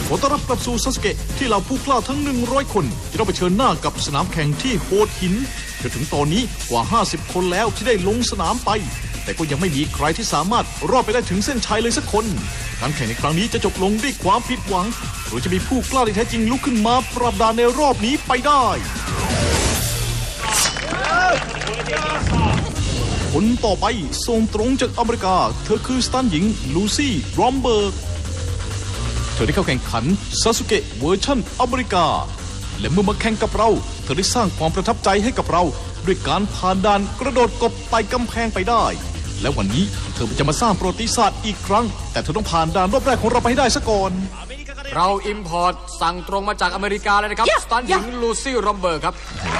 ขอต้อนรับกลับสู่ซาสึเกะที่เหล่าผู้กล้าทั้ง100คนจะต้องเผชิญหน้ากับสนามแข่งที่โหดหินจนถึงตอนนี้กว่า50คนแล้วที่ได้ลงสนามไปแต่ก็ยังไม่มีใครที่สามารถรอดไปได้ถึงเส้นชัยเลยสักคนการแข่งในครั้งนี้จะจบลงด้วยความผิดหวังหรือจะมีผู้กล้าที่แท้จริงลุกขึ้นมาปราบดานในรอบนี้ไปได้คนต่อไปส่งตรงจากอเมริกาเธอคือสตันหญิงลูซี่รอมเบิร์กเธอได้เข้าแข่งขันซาสึเกะเวอร์ชันอเมริกาและเมื่อมาแข่งกับเราเธอได้สร้างความประทับใจให้กับเราด้วยการผ่านด่านกระโดดกบไต่กำแพงไปได้และวันนี้เธอจะมาสร้างประวัติศาสตร์อีกครั้งแต่เธอต้องผ่านด่านรอบแรกของเราไปให้ได้ซะก่อนเราอิมพอร์ตสั่งตรงมาจากอเมริกาเลยนะครับสตันหญิงลูซี่รอมเบิร์กครับ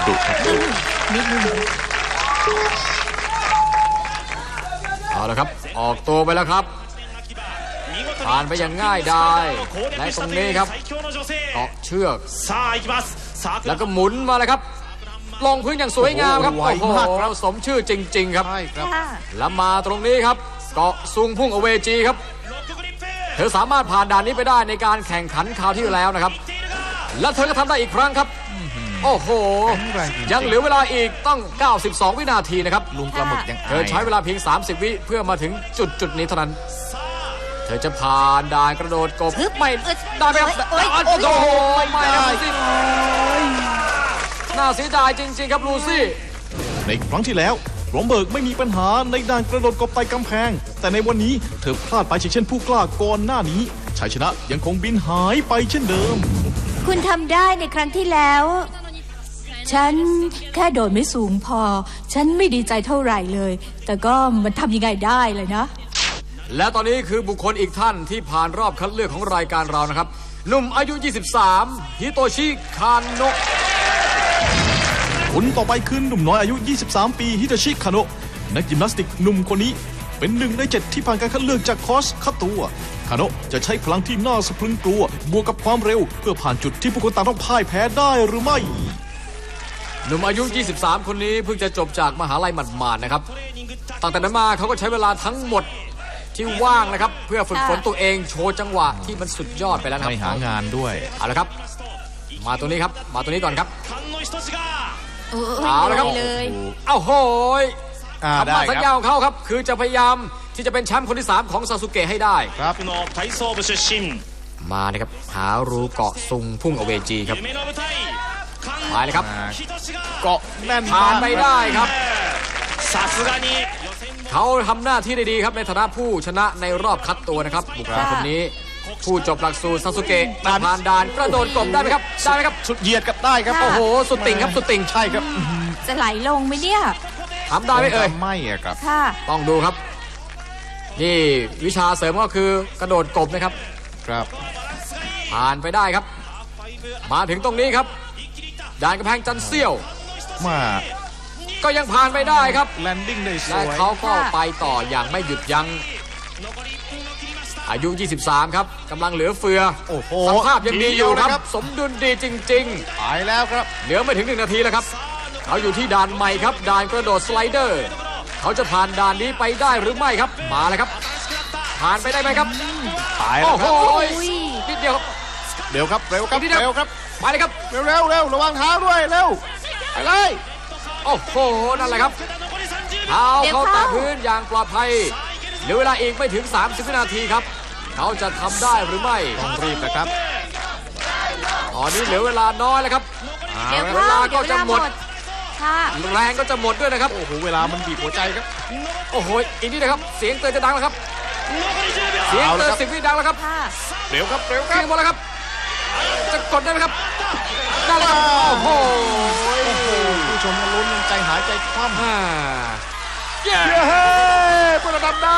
เอาละครับออกตัวไปแล้วครับผ่านไปอย่างง่ายดายและตรงนี้ครับเกาะเชือกแล้วก็หมุนมาเลยครับลงพื้นอย่างสวยงามครับโอ้โหเราสมชื่อจริงๆครับแล้วมาตรงนี้ครับเกาะซุงพุ่งอเวจีครับเธอสามารถผ่านด่านนี้ไปได้ในการแข่งขันคราวที่แล้วนะครับและเธอก็ทำได้อีกครั้งครับโอ้โหยังเหลือเวลาอีกต้อง92วินาทีนะครับลุงปลาหมึกยังเธอใช้เวลาเพียง30วิเพื่อมาถึงจุดนี้เท่านั้นเธอจะผ่านด่านกระโดดกบไม่ได้ไหมครับโอ้โหไม่ได้น่าเสียดายจริงๆครับลูซี่ในครั้งที่แล้วรอมเบิร์กไม่มีปัญหาในด่านกระโดดกบไต่กำแพงแต่ในวันนี้เธอพลาดไปเช่นผู้กล้าก่อนหน้านี้ชัยชนะยังคงบินหายไปเช่นเดิมคุณทำได้ในครั้งที่แล้วฉันแค่โดดไม่สูงพอฉันไม่ดีใจเท่าไหร่เลยแต่ก็มันทำยังไงได้เลยนะและตอนนี้คือบุคคลอีกท่านที่ผ่านรอบคัดเลือกของรายการเรานะครับหนุ่มอายุ23ฮิโตชิคาโนะคนต่อไปคือหนุ่มน้อยอายุ23ปีฮิโตชิคาโนะนักยิมนาสติกหนุ่มคนนี้เป็น1 ใน 7ที่ผ่านการคัดเลือกจากคอร์สคัดตัวคาโนะจะใช้พลังที่น่าสะพรึงกลัวบวกกับความเร็วเพื่อผ่านจุดที่ผู้คนต่างต้องพ่ายแพ้ได้หรือไม่หนุ่มอายุ23คนนี้เพิ่งจะจบจากมหาลัยหมาดๆนะครับตั้งแต่นั้นมาเขาก็ใช้เวลาทั้งหมดที่ว่างนะครับเพื่อฝึกฝนตัวเองโชว์จังหวะที่มันสุดยอดไปแล้วครับไม่หางานด้วยเอาละครับมาตัวนี้ครับมาตัวนี้ก่อนครับเอาละครับเอ้าโหยคำมั่นสัญญาของเขาครับคือจะพยายามที่จะเป็นแชมป์คนที่3ของซาสึเกะให้ได้ครับมานะครับหารูเกาะซุงพุ่งอเวจีครับไปเลยครับเกาะแน่นผ่านไปได้ครับเขาทำหน้าที่ได้ดีครับในฐานะผู้ชนะในรอบคัดตัวนะครับบุคคลคนนี้ผู้จบหลักสูตรซาสึเกะผ่านด่านกระโดดกบได้ไหมครับได้ไหมครับสุดเหยียดกับได้ครับโอ้โหสุดติ่งครับสุดติ่งใช่ครับจะไหลลงไหมเนี่ยทำได้ไหมเอ่ยไม่ครับต้องดูครับนี่วิชาเสริมก็คือกระโดดกบนะครับครับผ่านไปได้ครับมาถึงตรงนี้ครับด่านกำแพงจันเซี่ยวมาก็ยังผ่านไปได้ครับแลนดิ้งได้สวยและเขาก็ไปต่ออย่างไม่หยุดยั้งอายุ23ครับกำลังเหลือเฟือสภาพยังดีอยู่ครับสมดุลดีจริงๆไปแล้วครับเหลือไม่ถึง1 นาทีแล้วครับเขาอยู่ที่ด่านใหม่ครับด่านกระโดดสไลเดอร์เขาจะผ่านด่านนี้ไปได้หรือไม่ครับมาเลยครับผ่านไปได้ไหมครับไปแล้วครับนิดเดียวเร็วครับเร็วครับเร็วครับไปเลยครับเร็วระวังเท้าด้วยเร็วไปเลยโอ้โหนั่นแหละครับเท้าเขาแตะพื้นอย่างปลอดภัยเหลือเวลาอีกไม่ถึง30 วินาทีครับเขาจะทำได้หรือไม่ต้องรีบนะครับตอนนี้เหลือเวลาน้อยแล้วครับเวลาก็จะหมดแรงก็จะหมดด้วยนะครับโอ้โหเวลามันบีบหัวใจครับโอ้โหอีกนิดนะครับเสียงเตือนจะดังแล้วครับเสียงเตือน10 วิดังแล้วครับเร็วครับหมดแล้วครับจะกดได้ไหมครับได้แล้วครับโอ้โหผู้ชมลุ้นใจหายใจคว่ำเย้พวกเราทำได้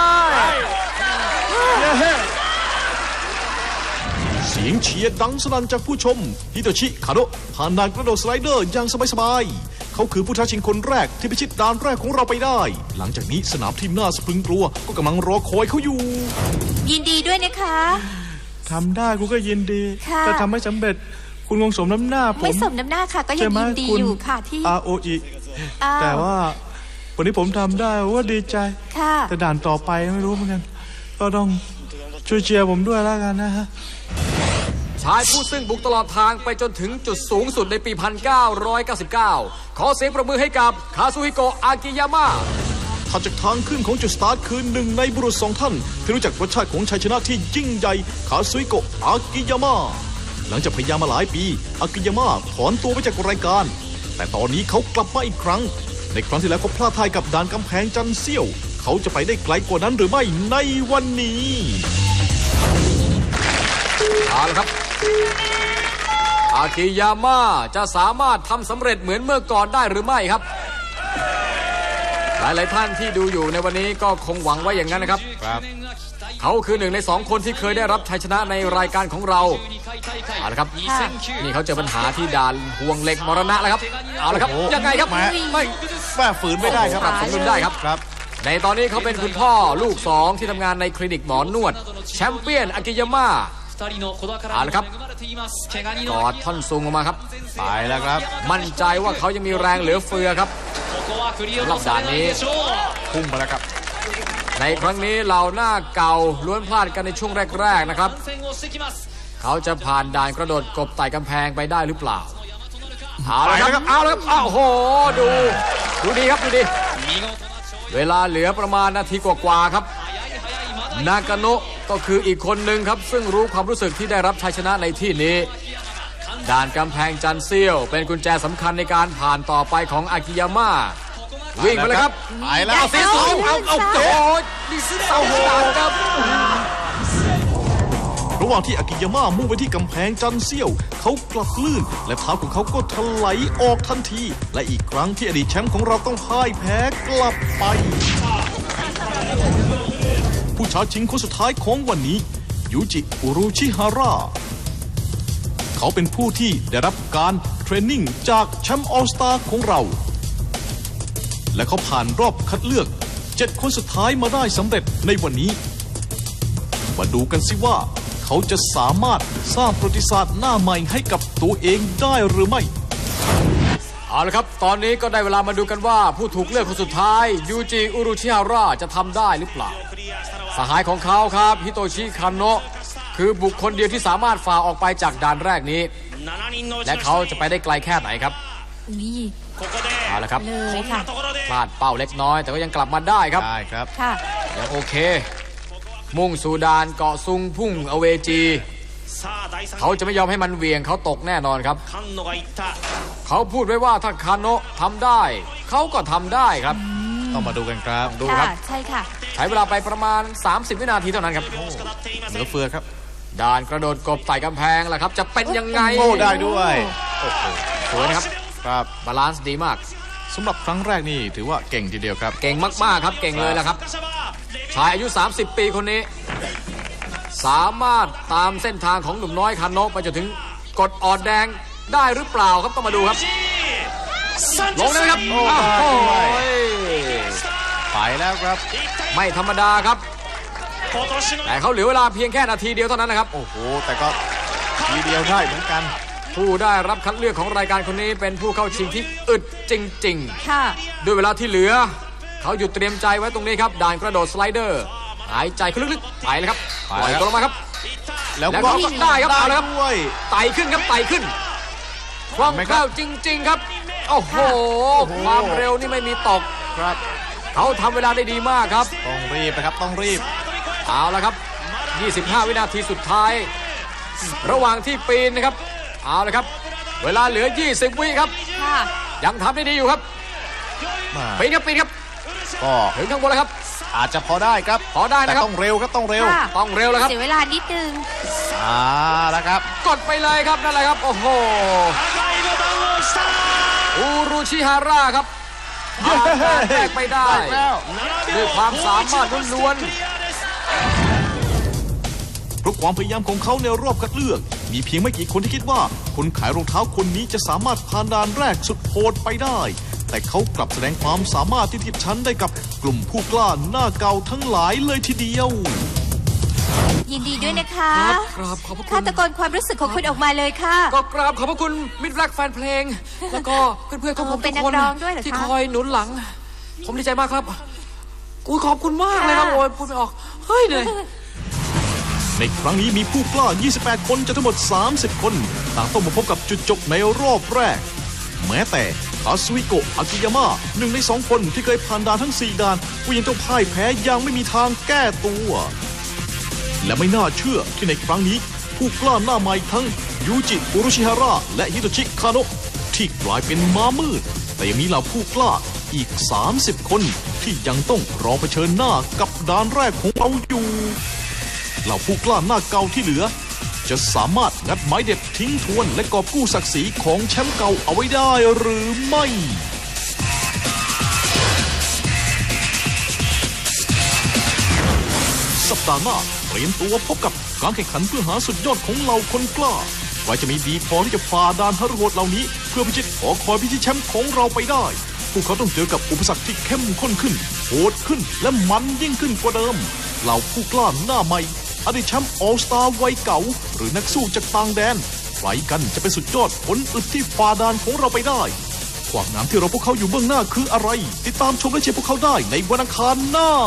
เสียงเชียร์ดังสนั่นจากผู้ชมฮิโตชิคาโนะผ่านด่านกระโดดสไลเดอร์อย่างสบายๆเขาคือผู้ท้าชิงคนแรกที่พิชิตด่านแรกของเราไปได้หลังจากนี้สนามที่น่าสะพรึงกลัวก็กำลังรอคอยเขาอยู่ยินดีด้วยนะคะทำได้คุณก็ยินดีแต่ทำไม่สำเร็จคุณคงสมน้ำหน้าผมไม่สมน้ำหน้าค่ะก็ยังยินดีอยู่ค่ะที่ ROE แต่ว่าวันนี้ผมทำได้ว่าดีใจแต่ด่านต่อไปไม่รู้เหมือนกันก็ต้องช่วยเชียร์ผมด้วยแล้วกันนะฮะชายผู้ซึ่งบุกตลอดทางไปจนถึงจุดสูงสุดในปี 1999 ขอเสียงประมือให้กับคาซุฮิโกะอากิยามะถัดจากทางขึ้นของจุดสตาร์ทคือหนึ่งในบุรุษ2 ท่านที่รู้จักรสชาติของชัยชนะที่ยิ่งใหญ่คาซุฮิโกะอากิยามะหลังจากพยายามมาหลายปีอากิยามะถอนตัวไปจากรายการแต่ตอนนี้เขากลับมาอีกครั้งในครั้งที่แล้วเขาพลาดท่ากับด่านกำแพงจันเซี่ยวเขาจะไปได้ไกลกว่านั้นหรือไม่ในวันนี้เอาละครับอากิยามะจะสามารถทำสำเร็จเหมือนเมื่อก่อนได้หรือไม่ครับหลายๆท่านที่ดูอยู่ในวันนี้ก็คงหวังไว้อย่างนั้นนะครับเขาคือหนึ่งใน2 คนที่เคยได้รับชัยชนะในรายการของเราเอาละครับนี่เขาเจอปัญหาที่ด่านห่วงเหล็กมรณะแล้วครับเอาละครับยังไงครับไม่แม่ฝืนไม่ได้ครับปรับสมดุลได้ครับครับในตอนนี้เขาเป็นคุณพ่อลูก2ที่ทำงานในคลินิกหมอนวดแชมเปี้ยนอากิยามะเอาละครับกอดท่อนซุงออกมาครับไปแล้วครับมั่นใจว่าเขายังมีแรงเหลือเฟือครับรอบด่านนี้พุ่งไปแล้วครับในครั้งนี้เหล่าหน้าเก่าล้วนพลาดกันในช่วงแรกๆนะครับเขาจะผ่านด่านกระโดดกบไต่กำแพงไปได้หรือเปล่าเอาละครับเอาละครับโอ้โหดูดีครับดูดีเวลาเหลือประมาณนาทีกว่าๆครับนากาโนะก็คืออีกคนหนึ่งครับซึ่งรู้ความรู้สึกที่ได้รับชัยชนะในที่นี้ด่านกำแพงจันเซียวเป็นกุญแจสำคัญในการผ่านต่อไปของอากิยามะวิ่งไปเลยครับไปแล้วเอาสีสูงเอาโอ้ยนี่เอาด่านครับระหว่างที่อากิยามะมุ่งไปที่กำแพงจันเซี่ยวเขากลับลื่นและเท้าของเขาก็ถลายออกทันทีและอีกครั้งที่อดีตแชมป์ของเราต้องพ่ายแพ้กลับไปผู้ท้าชิงคนสุดท้ายของวันนี้ยูจิอุรุชิฮาระเขาเป็นผู้ที่ได้รับการเทรนนิ่งจากแชมป์ออลสตาร์ของเราและเขาผ่านรอบคัดเลือก7 คนสุดท้ายมาได้สำเร็จในวันนี้มาดูกันสิว่าเขาจะสามารถสร้างประวัติศาสตร์หน้าใหม่ให้กับตัวเองได้หรือไม่เอาละครับตอนนี้ก็ได้เวลามาดูกันว่าผู้ถูกเลือกคนสุดท้ายยูจิอุรุชิฮาระจะทำได้หรือเปล่าสหายของเขาครับฮิโตชิคาโนะคือบุคคลเดียวที่สามารถฝ่าออกไปจากด่านแรกนี้และเขาจะไปได้ไกลแค่ไหนครับเอาละครับเลยค่ะพลาดเป้าเล็กน้อยแต่ก็ยังกลับมาได้ครับได้ครับค่ะยังโอเคมุ่งสู่ด่านเกาะซุงพุ่งอเวจีเขาจะไม่ยอมให้มันเวียงเขาตกแน่นอนครับเขาพูดไว้ว่าถ้าคาโนะทำได้เขาก็ทำได้ครับต้องมาดูกันครับดูครับใช่ค่ะใช้เวลาไปประมาณ30 วินาทีเท่านั้นครับเหลือเฟือครับด่านกระโดดกบไต่กำแพงล่ะครับจะเป็นยังไงโอ้ได้ด้วยสวยนะครับครับบาลานซ์ดีมากสำหรับครั้งแรกนี่ถือว่าเก่งทีเดียวครับเก่งมากๆครับเก่งเลยแหละครับชายอายุ30 ปีคนนี้สามารถตามเส้นทางของหนุ่มน้อยคาโนะไปจนถึงกดออดแดงได้หรือเปล่าครับต้องมาดูครับลงนะครับโอ้ยไปแล้วครับไม่ธรรมดาครับแต่เขาเหลือเวลาเพียงแค่นาทีเดียวเท่านั้นนะครับโอ้โหแต่ก็ทีเดียวได้เหมือนกันผู้ได้รับคัดเลือกของรายการคนนี้เป็นผู้เข้าชิงที่อึดจริงๆค่ะด้วยเวลาที่เหลือเขาหยุดเตรียมใจไว้ตรงนี้ครับด่านกระโดดสไลเดอร์หายใจลึกๆไปเลยครับปล่อยตัวลงมาครับแล้วก็ได้ครับเอาเลยครับไต่ขึ้นครับไต่ขึ้นคล่องแคล่วจริงๆครับโอ้โหความเร็วนี่ไม่มีตกครับเขาทำเวลาได้ดีมากครับต้องรีบนะครับต้องรีบเอาละครับ25 วินาทีสุดท้ายระหว่างที่ปีนนะครับเอาละครับเวลาเหลือ20 วิครับยังทำได้ดีอยู่ครับปีนครับปีนครับก็ถึงข้างบนแล้วครับอาจจะพอได้ครับพอได้นะครับต้องเร็วครับต้องเร็วต้องเร็วแล้วครับเสียเวลานิดนึงแล้วครับกดไปเลยครับนั่นแหละครับโอ้โหอุรุชิฮาระครับแตกไปได้ด้วยความสามารถล้วนเพราะความพยายามของเขาในรอบคัดเลือกมีเพียงไม่กี่คนที่คิดว่าคนขายรองเท้าคนนี้จะสามารถผ่านด่านแรกสุดโหดไปได้แต่เขากลับแสดงความสามารถที่เทียบชั้นได้กับกลุ่มผู้กล้าหน้าเก่าทั้งหลายเลยทีเดียวยินดีด้วยนะคะครับขอบคุณข้าตะโกนความรู้สึกของคุณออกมาเลยค่ะก็กราบขอบพระคุณมิตรรักแฟนเพลงแล้วก็เพื่อนๆของผมทุกคนที่คอยหนุนหลังผมดีใจมากครับขอบคุณมากเลยครับโอ้ยพูดไม่ออกเฮ้ยเหนื่อยในครั้งนี้มีผู้กล้า 28 คนจากทั้งหมด 30 คน ต่างต้องมาพบกับจุดจบในรอบแรก แม้แต่คาซุฮิโกะ อากิยาม่าหนึ่งใน 2 คนที่เคยผ่านด่านทั้ง 4 ด่านก็ยังต้องพ่ายแพ้อย่างไม่มีทางแก้ตัว และไม่น่าเชื่อที่ในครั้งนี้ผู้กล้าหน้าใหม่ทั้งยูจิ อุรุชิฮาระและฮิโตชิ คาโนะที่กลายเป็นม้ามืด แต่ยังมีเหล่าผู้กล้าอีก 30 คนที่ยังต้องรอเผชิญหน้ากับด่านแรกของเราอยู่ เหล่าผู้กล้าหน้าเก่าที่เหลือ จะสามารถงัดไม้เด็ดทิ้งทวนและกอบกู้ศักดิ์ศรีของแชมป์เก่าเอาไว้ได้หรือไม่ สัปดาห์หน้าเตรียมตัวพบกับการแข่งขันเพื่อหาสุดยอดของเหล่าคนกล้าว่าจะมีดีพอที่จะฝ่าด่านฮารุโหดเหล่านี้เพื่อพิชิตหอคอยพิชิตแชมป์ของเราไปได้พวกเขาต้องเจอกับอุปสรรคที่เข้มข้นขึ้นโหดขึ้นและมันยิ่งขึ้นกว่าเดิมเหล่าผู้กล้าหน้าใหม่อดีตแชมป์ออลสตาร์วัยเก่าหรือนักสู้จากต่างแดนใครกันจะเป็นสุดยอดผลอึดที่ฝ่าด่านของเราไปได้ความงามที่เราพวกเขาอยู่เบื้องหน้าคืออะไรติดตามชมและเชียร์พวกเขาได้ในวันอังคารหน้า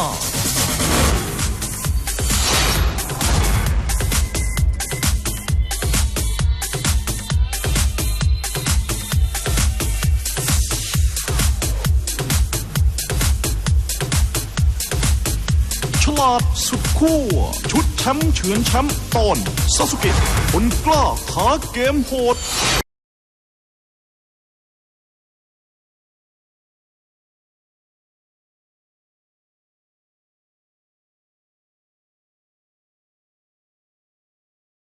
ฉลาดสุดขั้วชุดแชมป์เฉือนแชมป์ตอนซาสุเกะคนกล้าท้าเกมโหด